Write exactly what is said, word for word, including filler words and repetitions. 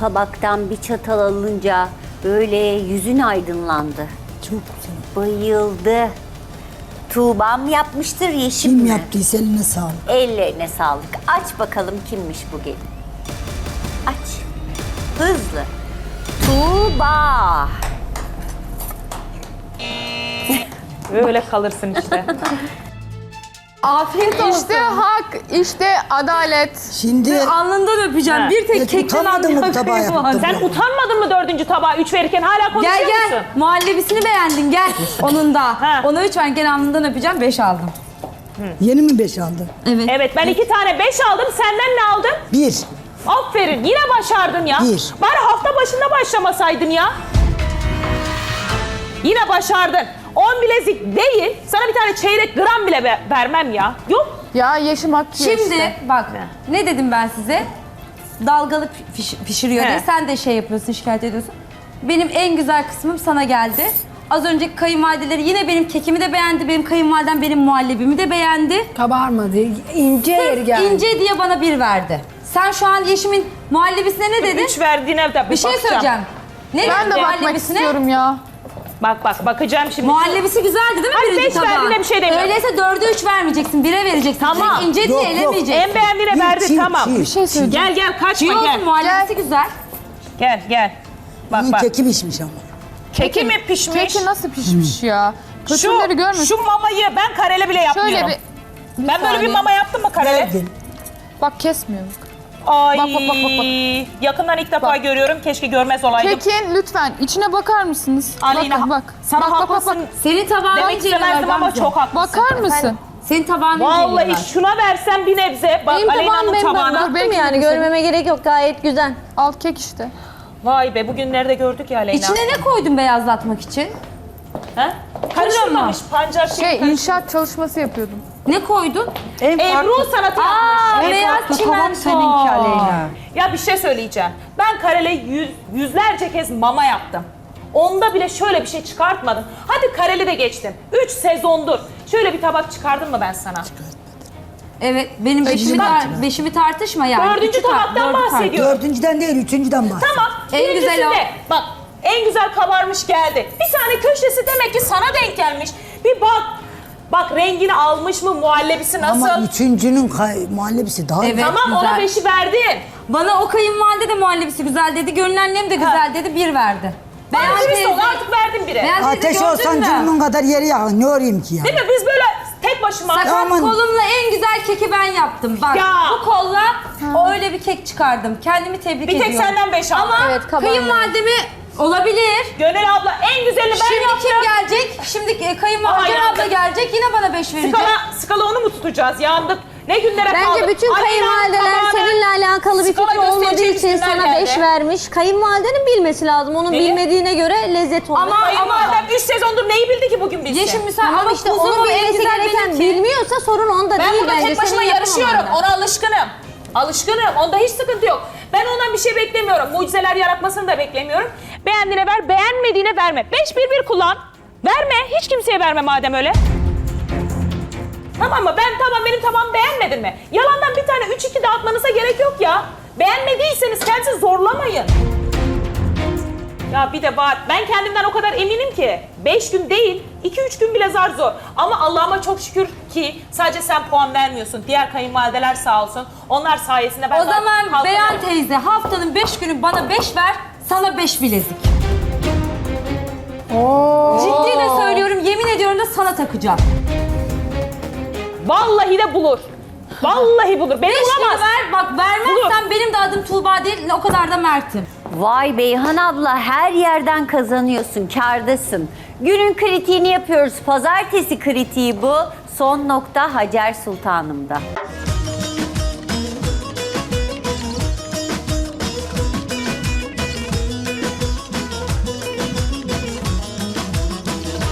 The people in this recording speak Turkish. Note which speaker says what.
Speaker 1: tabaktan bir çatal alınca böyle yüzün aydınlandı.
Speaker 2: Çok güzel.
Speaker 1: Bayıldı. Tuğba'm yapmıştır, Yeşim
Speaker 2: Kim
Speaker 1: mi?
Speaker 2: yaptıysa eline sağlık.
Speaker 1: Ellerine sağlık. Aç bakalım kimmiş bu gelin. Aç. Hızlı. Tuğba.
Speaker 3: Böyle kalırsın işte.
Speaker 4: Afiyet olsun.
Speaker 5: İşte hak, işte adalet.
Speaker 2: Şimdi
Speaker 4: Alnından öpeceğim.
Speaker 3: Ha.
Speaker 4: Bir tek
Speaker 2: Evet,
Speaker 4: kekten
Speaker 2: utanmadın mı bu tabağı
Speaker 4: anlayan
Speaker 2: yaptın?
Speaker 3: Sen utanmadın mı dördüncü tabağa üç verirken hala konuşuyor
Speaker 4: Gel gel.
Speaker 3: musun?
Speaker 4: Muhallebisini beğendin gel. Onun da.
Speaker 3: Ha.
Speaker 4: Ona üç verirken alnından öpeceğim. Beş aldım.
Speaker 2: yeni mi beş aldın?
Speaker 4: Evet.
Speaker 3: Evet ben iki tane beş aldım, senden ne aldım?
Speaker 2: Bir.
Speaker 3: Aferin, yine başardın ya.
Speaker 2: Bir.
Speaker 3: Bari hafta başında başlamasaydın ya. Yine başardın. On bilezik değil, sana bir tane çeyrek gram bile be- vermem ya. Yok.
Speaker 5: Ya Yeşim hak yiyor
Speaker 4: Şimdi
Speaker 5: işte.
Speaker 4: bak ne dedim ben size? Dalgalı piş- pişiriyor
Speaker 3: He.
Speaker 4: diye sen de şey yapıyorsun, şikayet ediyorsun. Benim en güzel kısmım sana geldi. Az önceki kayınvalideleri yine benim kekimi de beğendi, benim kayınvalidem benim muhallebimi de beğendi.
Speaker 6: Kabarmadı. İnce yeri geldi.
Speaker 4: İnce diye bana bir verdi. Sen şu an Yeşim'in muhallebisine ne dedin?
Speaker 3: Üç verdiğine de bir
Speaker 4: Bir şey
Speaker 3: bakacağım.
Speaker 4: söyleyeceğim. Ne
Speaker 5: Ben
Speaker 4: dedin
Speaker 5: de bakmak
Speaker 4: muhallebisine?
Speaker 5: istiyorum ya.
Speaker 3: Bak bak, bakacağım şimdi.
Speaker 4: Muhallebisi güzeldi değil mi
Speaker 3: Ay,
Speaker 4: birinci
Speaker 3: beş
Speaker 4: tabağa?
Speaker 3: verdiğine bir şey demiyorum.
Speaker 4: Öyleyse dörde üç vermeyeceksin, bire vereceksin.
Speaker 3: Tamam.
Speaker 4: Direkt ince diye
Speaker 2: Yok, yok.
Speaker 4: elemeyeceksin.
Speaker 3: En beğendiğine
Speaker 2: Bir
Speaker 3: verdi,
Speaker 2: çiğ,
Speaker 3: tamam.
Speaker 2: çiğ.
Speaker 5: Bir şey söyleyeceğim.
Speaker 3: Gel gel, kaçma
Speaker 4: Çiğ olsun,
Speaker 3: gel.
Speaker 4: muhallebisi güzel.
Speaker 3: Gel gel. Bak
Speaker 2: Bunun
Speaker 3: bak.
Speaker 2: keki pişmiş ama.
Speaker 3: Keki mi pişmiş?
Speaker 5: Keki nasıl pişmiş ya?
Speaker 3: Şu,
Speaker 5: Kötüleri görmüş.
Speaker 3: şu mamayı ben karele bile yapmıyorum.
Speaker 5: Şöyle bir...
Speaker 3: ben böyle bir
Speaker 5: saniye.
Speaker 3: mama yaptım mı karele?
Speaker 2: Verdin.
Speaker 5: Bak kesmiyorum.
Speaker 3: Ay,
Speaker 5: Bak, bak, bak, bak, bak.
Speaker 3: yakından ilk defa
Speaker 5: Bak.
Speaker 3: görüyorum. Keşke görmez olaydım.
Speaker 5: Kekin lütfen içine bakar mısınız?
Speaker 3: Aleyna,
Speaker 5: bak bak bak.
Speaker 3: sana
Speaker 5: bak, bak, bak,
Speaker 3: haklısın
Speaker 5: bak.
Speaker 4: Senin tabağını
Speaker 3: Demek istemezdim ama çok haklısın.
Speaker 5: Bakar mısın?
Speaker 4: Senin tabağını
Speaker 3: Vallahi
Speaker 4: inceliyorlar.
Speaker 3: şuna versen bir nebze. Bak
Speaker 7: Benim tabağım
Speaker 3: Aleyna'nın
Speaker 7: benim
Speaker 3: tabağına.
Speaker 7: baktım
Speaker 5: belki
Speaker 7: yani
Speaker 5: de
Speaker 7: görmeme gerek yok gayet güzel.
Speaker 5: Al kek işte.
Speaker 3: Vay be, bugün nerede gördük ya Aleyna?
Speaker 4: İçine ne koydun beyazlatmak için?
Speaker 3: Ha? Karıştırmamış pancar şey.
Speaker 5: Şey inşaat çalışması yapıyordum.
Speaker 4: Ne koydun?
Speaker 3: Ebru sanatı yapmış.
Speaker 4: Aa, beyaz çimento.
Speaker 2: seninki Aleyna.
Speaker 3: Ya bir şey söyleyeceğim. Ben karele yüz, yüzlerce kez mama yaptım. Onda bile şöyle bir şey çıkartmadım. Hadi kareli de geçtim. Üç sezondur. Şöyle bir tabak çıkardım mı ben sana?
Speaker 4: Evet, benim beşimi, tar- beşimi tartışma yani.
Speaker 3: Dördüncü
Speaker 4: Üçü tar-
Speaker 3: tabaktan
Speaker 4: dördü tar-
Speaker 3: bahsediyorum.
Speaker 2: Dördüncüden değil, üçüncüden bahset.
Speaker 3: Tamam.
Speaker 4: En
Speaker 3: birincisinde,
Speaker 4: güzel o.
Speaker 3: bak en güzel kabarmış geldi. Bir tane köşesi demek ki sana denk gelmiş. Bir bak. Bak rengini almış mı, muhallebisi nasıl?
Speaker 2: Ama üçüncünün kay- muhallebisi daha
Speaker 4: Evet.
Speaker 3: Tamam,
Speaker 4: güzel.
Speaker 3: ona beşi verdin.
Speaker 4: Bana o kayınvalide de muhallebisi güzel dedi, gönül annem de güzel dedi, bir verdi.
Speaker 3: Ben
Speaker 4: Beyaz
Speaker 3: dürüst ol,
Speaker 4: teyze-
Speaker 3: artık verdim bire.
Speaker 4: Beyaz teyze
Speaker 2: Ateş
Speaker 4: gördün
Speaker 2: olsan
Speaker 4: mü?
Speaker 2: cürmün kadar yeri yakın. Ne öreyim ki ya?
Speaker 3: Değil mi? Biz böyle tek başıma...
Speaker 4: Sakat
Speaker 2: Aman.
Speaker 4: kolumla en güzel keki ben yaptım. Bak
Speaker 3: Ya.
Speaker 4: bu kolla o öyle bir kek çıkardım. Kendimi tebrik
Speaker 3: Bir tek
Speaker 4: ediyorum.
Speaker 3: senden beş aldım.
Speaker 4: Ama
Speaker 7: Evet, kabarmadı.
Speaker 4: kayınvalidemi olabilir.
Speaker 3: Gönül abla en güzelini ben
Speaker 4: Şimdi
Speaker 3: yaptım.
Speaker 4: kim gelecek? Şimdi e, kayınvalide
Speaker 3: Aha,
Speaker 4: abla
Speaker 3: yandık.
Speaker 4: gelecek yine bana beş verecek.
Speaker 3: Skala, skala onu mu tutacağız? Yandık. Ne günlere kaldık?
Speaker 7: Bence bütün
Speaker 3: Aleyna'nın
Speaker 7: kayınvalideler
Speaker 3: tabağına
Speaker 7: seninle alakalı bir
Speaker 3: skala
Speaker 7: fikri olmadığı
Speaker 3: göstereceğimiz
Speaker 7: için
Speaker 3: günler
Speaker 7: sana
Speaker 3: geldi.
Speaker 7: beş vermiş. Kayınvalidenin bilmesi lazım. Onun
Speaker 3: Neyi?
Speaker 7: bilmediğine göre lezzet olmaz.
Speaker 4: Ama-
Speaker 3: Kayınvalidem üç sezondur neyi bildi ki bugün bilsin?
Speaker 4: Yeşim misal
Speaker 7: Tamam
Speaker 4: ama
Speaker 7: işte
Speaker 4: kuzumu
Speaker 7: onun
Speaker 4: en
Speaker 7: bilmesi
Speaker 4: güzel
Speaker 7: gereken
Speaker 4: benimki.
Speaker 7: bilmiyorsa sorun onda
Speaker 3: Ben
Speaker 7: değil
Speaker 3: burada
Speaker 7: bence.
Speaker 3: tek başıma
Speaker 7: Senin
Speaker 3: yarışıyorum.
Speaker 7: yapamaman.
Speaker 3: Ona alışkınım. Alışkınım. Onda hiç sıkıntı yok. Ben ondan bir şey beklemiyorum. Mucizeler yaratmasını da beklemiyorum. Beğendiğine ver, beğenmediğine verme. Beş bir bir kullan. Verme. Hiç kimseye verme madem öyle. Tamam mı? Ben tamam, benim tamam, beğenmedin mi? Yalandan bir tane üç iki dağıtmanıza gerek yok ya. Beğenmediyseniz kendinizi zorlamayın. Ya bir de var, ben kendimden o kadar eminim ki beş gün değil, iki üç gün bile zar zor. Ama Allah'ıma çok şükür ki sadece sen puan vermiyorsun. Diğer kayınvalideler sağ olsun. Onlar sayesinde ben
Speaker 4: O
Speaker 3: zaten
Speaker 4: zaman
Speaker 3: kalkamıyorum.
Speaker 4: Beyan teyze haftanın beş günü bana beş ver, sana beş bilezik. Ciddi de söylüyorum, yemin ediyorum da sana takacağım.
Speaker 3: Vallahi de bulur. Vallahi bulur. Beni
Speaker 4: Beş günü
Speaker 3: bulamaz.
Speaker 4: ver, bak vermezsen benim de adım Tuğba değil, o kadar da Mert'im.
Speaker 1: Vay Beyhan abla, her yerden kazanıyorsun, kârdasın. Günün kritiğini yapıyoruz. Pazartesi kritiği bu. Son nokta Hacer Sultanım'da.